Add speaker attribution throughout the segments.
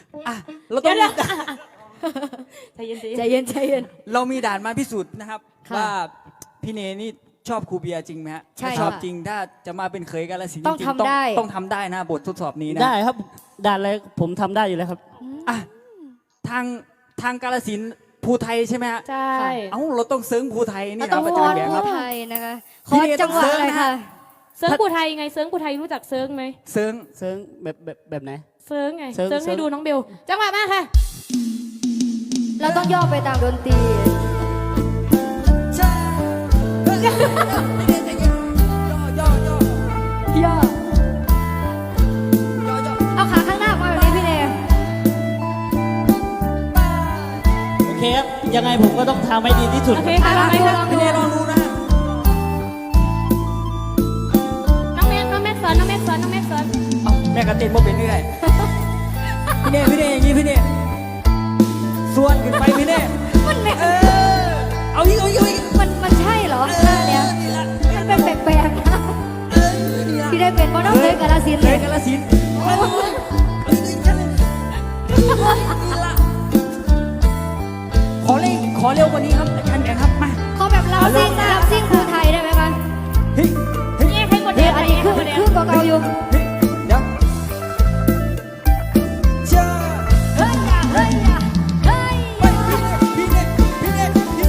Speaker 1: อ่ะเราต้อง
Speaker 2: ใจเย็น
Speaker 3: ใจเย็นใจเย็น
Speaker 1: เรามีด่านมาพิสูจน์นะครับ
Speaker 3: ค่ะ
Speaker 1: ว่าพี่เนนี่ชอบครูเบียร์จริงไหมฮะ
Speaker 3: ใช่
Speaker 1: ถ้าชอบ
Speaker 3: ค่ะ
Speaker 1: จริงถ้าจะมาเป็นเขยกาฬสินธุ์
Speaker 3: ต้อง
Speaker 1: จริ
Speaker 3: ทำได้
Speaker 1: ต้องทำได้นะบททดสอบนี้นะ
Speaker 4: ได้ครับด่านอะไรผมทำได้อยู่แล้วครับ
Speaker 1: อ่ะทางกาฬสินธุ์ภูไทยใช่ไหมฮะ
Speaker 2: ๆใช่
Speaker 1: เอ้าเราต้องเซิร์งภูไทยนี่
Speaker 3: เราต้อง
Speaker 1: นะประ
Speaker 3: วอน
Speaker 1: จำแบงค์ค
Speaker 3: ผู้
Speaker 1: รับ
Speaker 3: ไทยนะคะข
Speaker 1: พี่
Speaker 3: อ
Speaker 1: เน
Speaker 3: จังหวะ
Speaker 1: ต้องเซิร์ง
Speaker 3: เลย
Speaker 1: นะ
Speaker 3: ค่ะ
Speaker 2: เซิร์งกูไทยไงเซิร์งกูไทยรู้จักเซิร์งไหม
Speaker 1: เซิร์ง
Speaker 4: เซิร์งแบบไหน
Speaker 2: เซิร์งไง
Speaker 4: เซิร์ง
Speaker 2: เซิร์งให้ดูน้องเบลจังหวะมาค่ะ
Speaker 3: เราต้องย่อไปตามดนตรี
Speaker 1: ใช่พี่เนใจเย็นย่อย่
Speaker 3: ย่อ เอาขาข้างหน้ามาแบบนี้พี่เน
Speaker 4: โอเคครับยังไงผมก็ต้องทำให้ดีที่สุด
Speaker 2: โอเคค่ะลองไหมคะ
Speaker 1: พี่เนลองดูนะ
Speaker 2: น้องแม็กสอนน้องแม็กสอนน้องแม็กสอน
Speaker 1: เอาแม่กระเต้นบ่เป็นเรื่อยพี่เนอย่างนี้พี่เนส่วนขึ้นไปพี่เน
Speaker 3: มันไม่
Speaker 1: เอาอีก
Speaker 3: มันใช่เหรอท่าเนี้ยมันเป็นแปลกๆนะพี่ได้เป็นเพราะน้องเคยกาลสินธุ์
Speaker 1: เล
Speaker 3: เลย ย
Speaker 1: กาฬสินธุ์ขอเร็วกว่านี้ครับอาจารย์แบงค์ครับมา
Speaker 3: ขอแบบรับซิ่งครูไทยได้ไหมคะ
Speaker 1: เฮ้ยเฮ้ย
Speaker 2: นี่ให้กด
Speaker 3: เดี๋
Speaker 2: เดี
Speaker 3: ย
Speaker 2: ยว ว
Speaker 3: อัน
Speaker 2: นี้
Speaker 3: นี้
Speaker 2: ให้
Speaker 3: คือก
Speaker 2: ดเดียว
Speaker 3: คือเก่าๆอยู่
Speaker 1: เฮ้ยเดี๋ยวเจ้า
Speaker 3: เฮ้ยอย่าเฮ้ยอย่าเฮ้ย
Speaker 1: ไปพี่เนเฮ้ย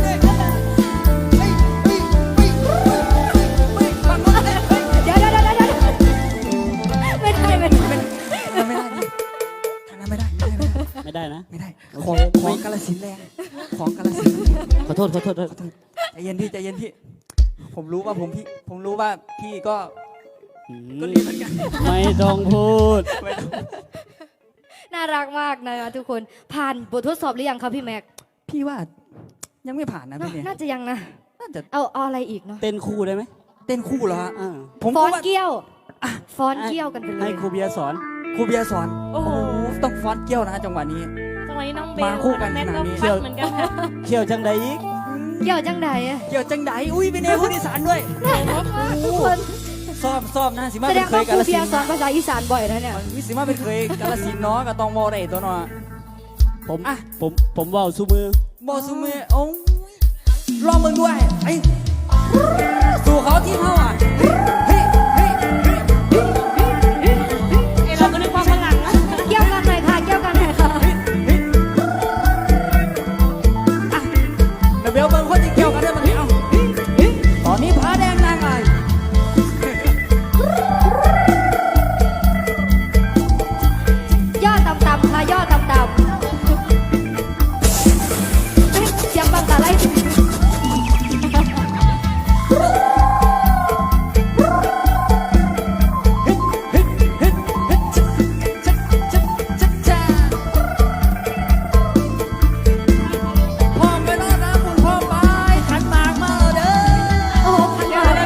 Speaker 1: ฟังมาเลย
Speaker 3: เดี๋ยวไม่ได้
Speaker 1: ไม่ได้ทางนั้นไม่ได้
Speaker 4: ไม่ได้นะ
Speaker 1: ไม่ได้
Speaker 4: โอเค
Speaker 1: ของกาฬสินธุ์แรงของกาฬสินธุ์
Speaker 4: ขอโทษ
Speaker 1: ใจเย็นพี่ผมรู้ว่าพี่ก็
Speaker 4: อืม
Speaker 1: ก็ดีเหมือนกัน
Speaker 4: ไม่ต้องพูด
Speaker 3: น่ารักมากนะคะทุกคนผ่านบททดสอบหรือยังคะพี่แม็ก
Speaker 1: พี่ว่ายังไม่ผ่านนะพี่เนี่ย
Speaker 3: น่าจะยังนะ
Speaker 1: น่าจะ
Speaker 3: เอาอะไรอีกเนาะ
Speaker 4: เต้นคู่ได้ไหม
Speaker 1: เต้นคู่เหรอฮะ
Speaker 4: อ่า
Speaker 1: ผม
Speaker 3: ฟ้
Speaker 1: ก็
Speaker 3: อน
Speaker 1: ว่า
Speaker 3: เกี้ยวฟ้อนเกี้ยวกันไปเล
Speaker 4: ให้
Speaker 3: ย
Speaker 4: ครูเบียร์สอน
Speaker 1: ครูเบียร์สอน
Speaker 2: โอ้โห
Speaker 1: ต้องฟ้อนเกี้ยวนะจังหวะนี้
Speaker 2: จังหวะนี้น้องเบล
Speaker 1: มาคู่กัน
Speaker 2: แม็ก
Speaker 1: ขนา
Speaker 2: ก็
Speaker 1: ดนี้
Speaker 2: ฟัดเหมือนกันค่ะ
Speaker 4: เขี่ยวจังใดอีก
Speaker 3: เกี่ยวจังใดอะ
Speaker 1: เกี่ยวจังไดอุ้ยเป็นเอผู้อีสานด้วย
Speaker 3: น่ารักมากทุกคน
Speaker 1: ซ้อมนะสิมา
Speaker 3: แสด
Speaker 1: เป็น
Speaker 3: ง
Speaker 1: เค
Speaker 3: ว่าย ค
Speaker 1: กา
Speaker 3: รู
Speaker 1: ฬสิ
Speaker 3: เบีย
Speaker 1: น
Speaker 3: ร์
Speaker 1: ธุ์
Speaker 3: สอนภาษาอีสานบ่อยนะเนี่ย
Speaker 1: วิสิมาเป็นเคยกาฬสินธุ์เนาะก็ต้องมอได้ตัวเนาะ
Speaker 4: ผม
Speaker 1: อ่ะ
Speaker 4: ผมว่าวซูมือ
Speaker 1: บอสุเมโอ้ลองมึงด้วยไอ้สู่เขาที่เขาอ่ะเฮ้ย
Speaker 2: ไอเราก็นึกว่าฝรั่งนะ
Speaker 3: เกี่ยวกันหน่อยค่ะเกี่ยวกันหน่อยค่ะ
Speaker 1: เดี๋ยวเบลเบิ้งคนที่เกี่ยวกันได้มั้งเอาตอนนี้ผาแดงนางไอ้
Speaker 3: ย่อต่ำๆค่ะย่อต่ำๆเฮ้ยเสียงบังตาไล่
Speaker 1: พ่อไปนอนนะคุณพ่อไปขันหมากมาเด้อ
Speaker 3: โอ้โหพันบาท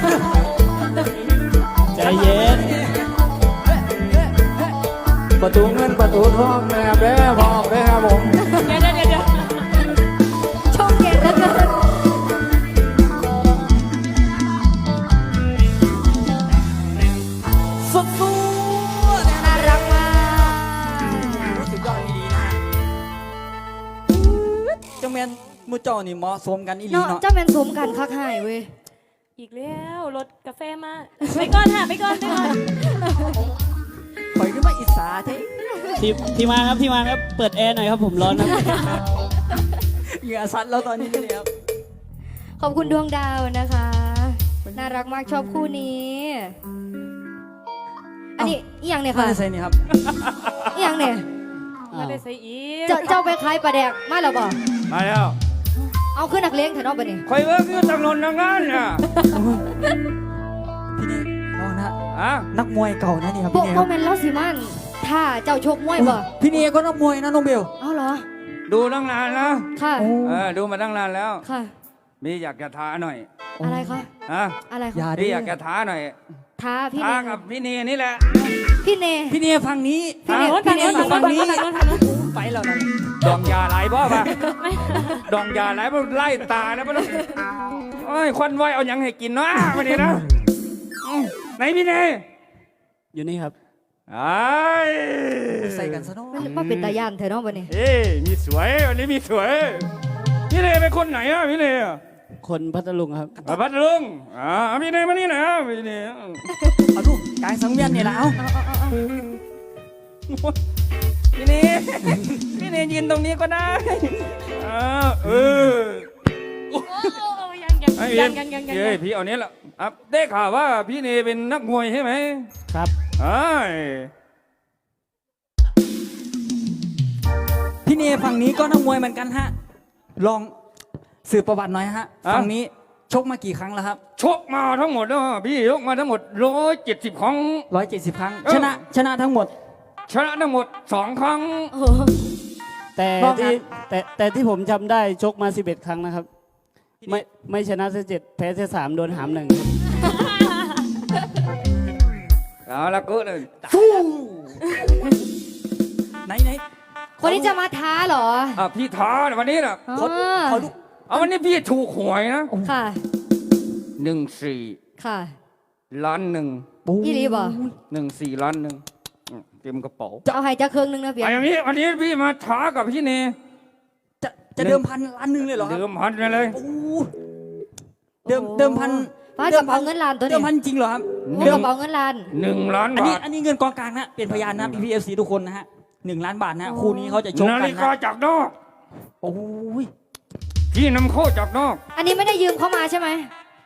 Speaker 4: ใจเย็น
Speaker 1: ประตูเงินประตูทองนะครับเด้อพ่อเด้อครับผม
Speaker 2: เดี๋ยว
Speaker 3: ช่องเก่งเหลือเกิน
Speaker 1: สุดๆ
Speaker 3: น่ารักมาก
Speaker 1: รู้สึกยอดอีหลีนะฮะจังแมนมูเจ้านี่เหมาะสมกันอีหลี
Speaker 3: เนาะ
Speaker 1: เนาะ
Speaker 3: เจ้าแมนสมกันคักหายเว้ย
Speaker 2: อีกแล้วรถกาแฟมาไปก่อนค่ะไปก่อน
Speaker 1: ข่อยขึ้นมาอิสาเท่
Speaker 4: ที่มาครับเปิดแอร์หน่อยครับผมร้อนครับ
Speaker 1: เหงื่อซัดแล้วตอนนี้เลยครับ
Speaker 3: ขอบคุณดวงดาวนะคะ น่ารักมากชอบคู่นี้ อันนี้อีหยังเนี่ย
Speaker 1: มา
Speaker 3: ค่ะ
Speaker 1: ได้ใส่นี่ครับ
Speaker 3: อีหยังเนี่ย
Speaker 2: ไม่ได้ใส่อีก
Speaker 3: เจ้าไปขายปลาแดกมาแล้วบ่
Speaker 5: มาแล้ว
Speaker 3: เอาขึ้นนักเลงเถอะเนาะบัดนี้
Speaker 5: คอยเวิร์กอยู่ทางโนนทางนั้นน่ะ
Speaker 1: พี่นี่ลองนะ
Speaker 5: อ่ะ
Speaker 1: นักมวยเก่านะนี่ครับ
Speaker 3: โบ
Speaker 1: พี่นี่
Speaker 3: โบ
Speaker 1: ครับ
Speaker 3: แมนลอสิมันถ้าเจ้าชกมวยบ่
Speaker 1: พี่นี่ก็นักมวยนะน้องเบล
Speaker 3: เอาเหรอ
Speaker 5: ดูตั้งนานแล้ว
Speaker 3: ค่ะ
Speaker 1: โอ้
Speaker 5: ดูมาตั้งนานแล้ว
Speaker 3: ค่ะ
Speaker 5: มีอยากจะท้าหน่อย
Speaker 3: อะไรคะ
Speaker 5: ฮะ
Speaker 3: อะไร
Speaker 1: อย่า
Speaker 3: คะ
Speaker 1: ดิ
Speaker 5: พี่อยากจะท้าหน่อย
Speaker 3: ท้าพี่
Speaker 5: ท้า
Speaker 3: เน
Speaker 5: กับพี่เนนี่แหละ
Speaker 3: พี่เน
Speaker 1: พี่นี่ฝั่งนี้
Speaker 3: พี่เน
Speaker 2: ทางโน้นทางโน้นทางโน้นทางโน้นทางโน้น
Speaker 1: ไปแล้วนะ
Speaker 5: ดองยาไหลบ่ปะดองยาไหลบ่ไล่ตาแล้วบ่ต้องโอ้ยควันไว้เอาหยังให้กินเนาะวันนี้นะไหนพี่เน
Speaker 4: อยู่นี่ครับ
Speaker 5: ไอ้
Speaker 1: ใส่กันซะเนาะ
Speaker 3: มันเป็นตาย่านเธอเนาะวันนี้
Speaker 5: เอ้ยมีสวยวันนี้มีสวยพี่เนเป็นคนไหนอ่ะพี่เนอ่ะ
Speaker 4: คนพัทลุงครับ
Speaker 5: พัทลุงพี่เนมานี่หนะพี่เน
Speaker 1: เอาลูกกลางสังเวียนนี่ละเอา พี่เนพี่เนยืนตรงนี้ก็ได้เออ
Speaker 2: โอ้ยังยัง
Speaker 5: ไอ้
Speaker 2: ยังยังยัง
Speaker 5: เอ้ยพี่เอาเนี้ยละได้ข่าวว่าพี่เนเป็นนักมวยใช่ไหม
Speaker 4: ครับ
Speaker 1: พี่เนฝั่งนี้ก็นักมวยเหมือนกันฮะลองสืบประวัติหน่อยฮะฝั่งนี้ชกมากี่ครั้งแล้วครับ
Speaker 5: ชกมาทั้งหมดแล้วพี่ชกมาทั้งหมด170 ครั้ง
Speaker 1: 170 ครั้งชนะทั้งหมด
Speaker 5: ชนะทั้งหมด2 ครั้ง
Speaker 2: โอ้
Speaker 4: แต่
Speaker 1: รอบนั้
Speaker 4: ที่
Speaker 1: น
Speaker 4: แต่ที่ผมจำได้ชกมา 11 ครั้งนะครับ ไม่ชนะแค่7แพ้แค่3โดนหาม1ครับ
Speaker 5: เอาละก็เลย
Speaker 1: ไหน
Speaker 3: คนนี้จะมาท้าเหรอ
Speaker 5: พี่ท้าวันนี้นะ
Speaker 3: อ๋อ
Speaker 1: เขาดู
Speaker 5: วันนี้พี่ถูกหวยนะ
Speaker 3: ค่ะ
Speaker 5: 14
Speaker 3: ค่ะ
Speaker 5: ล้านหนึ่ง
Speaker 3: อีหลีบ่
Speaker 5: 14 ล้านหนึ่งเต็มกระเป๋า
Speaker 3: จะเอาให้จะเครื่องนึงนะเพีย
Speaker 5: ไอ้อย่างนี้วันนี้พี่มาท้ากับพี่เน
Speaker 1: จะเดิมพันล้านหนึ่งเลยเหรอครับ
Speaker 5: เดิมพันไปเลย
Speaker 1: โอ้เดิมพัน
Speaker 3: ป้ากระเป๋าเงินล้านตัว
Speaker 1: เดิ
Speaker 3: นี้
Speaker 1: มพันจริงเหรอครับ
Speaker 3: เงินกระเป๋าเงินล้าน
Speaker 5: 1 ล้าน
Speaker 1: อัน
Speaker 5: บา
Speaker 1: นี้
Speaker 5: ท
Speaker 1: อันนี้เงินกองกลางนะเป็นพยานนะPPFC ทุกคนนะฮะ1 ล้านบาทนะคู่นี้เขาจะชก
Speaker 5: นา
Speaker 1: กัน
Speaker 5: ฬิกา
Speaker 1: นะ
Speaker 5: จากนอก
Speaker 1: โอ้ย
Speaker 5: พี่นำเข้าจากนอก
Speaker 3: อันนี้ไม่ได้ยืมเข้ามาใช่ไหม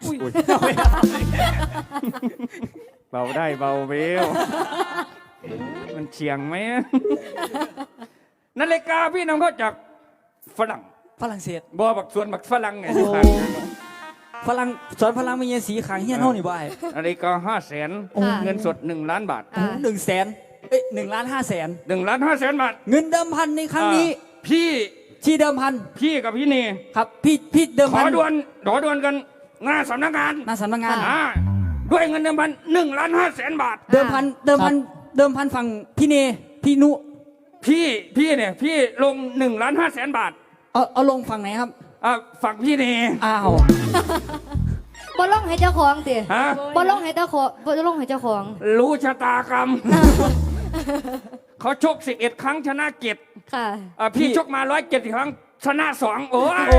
Speaker 5: เบาได้เบาเบลมันเฉียงไหมนาฬิกาพี่นำเข้าจากฝรั่ง
Speaker 1: ฝรั่งเศส
Speaker 5: บ่บักส่วนบักฝรั่งไง
Speaker 1: ฝรั่งสอนฝรั่งมีเงินสีขางเฮี้ยนเท่านี่บ่าย
Speaker 5: นาฬิกา500,000เงินสด1 ล้านบาท
Speaker 3: อ่า
Speaker 1: 100,0001,500,000
Speaker 5: 1,500,000 บาท
Speaker 1: เงินเดิมพันในครั้งนี้
Speaker 5: พี่
Speaker 1: ที่เดิมพัน
Speaker 5: พี่กับพี่เน
Speaker 1: ครับพี่เดิม
Speaker 5: ข
Speaker 1: พั
Speaker 5: อน ด่วนกันหน้าสำนักงาน
Speaker 1: หน้าสำนักงาน
Speaker 5: ด้วยเงินเดิมพัน1,500,000 บาท
Speaker 1: เดิมพันฝั่งพี่เนพี่นุ
Speaker 5: พี่เนี่ยพี่ลง1,500,000 บาท
Speaker 1: เอาลงฝั่งไหนครับ
Speaker 5: ฝั่งพี่เน
Speaker 1: อ้าว
Speaker 3: บ่ลงให้เจ้าของติ
Speaker 5: ฮะ
Speaker 3: บ่ลงให้เจ้าของบ่ลงให้เจ้าของ
Speaker 5: รู้ชะตากรรม เขาชก11 ครั้งชนะ7
Speaker 3: ค่ะ
Speaker 5: พี่ชกมา170 ครั้งชนะ2โอ้ย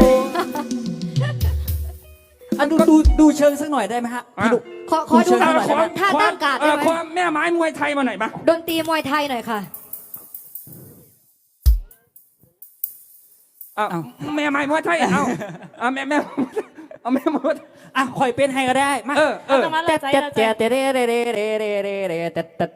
Speaker 1: ดูเชิงสักหน่อยได้ไหมฮะพี่ดุ
Speaker 3: ขอดู
Speaker 1: เชิญหน่อย
Speaker 3: ท่าตั้งการ์ดได้ไหม
Speaker 5: ขอแม่ไม้มวยไทยมาหน่อยมา
Speaker 3: ดนตรีมวยไทยหน่อยค่ะ
Speaker 5: แม่ไม้มวยไทยเอาแม่มวย
Speaker 1: อ่ะคอยเป็นให้ก็ได้มา
Speaker 5: เออ
Speaker 2: เอามาเลยใจ
Speaker 1: แต่
Speaker 2: เราใจ
Speaker 1: แต่แต่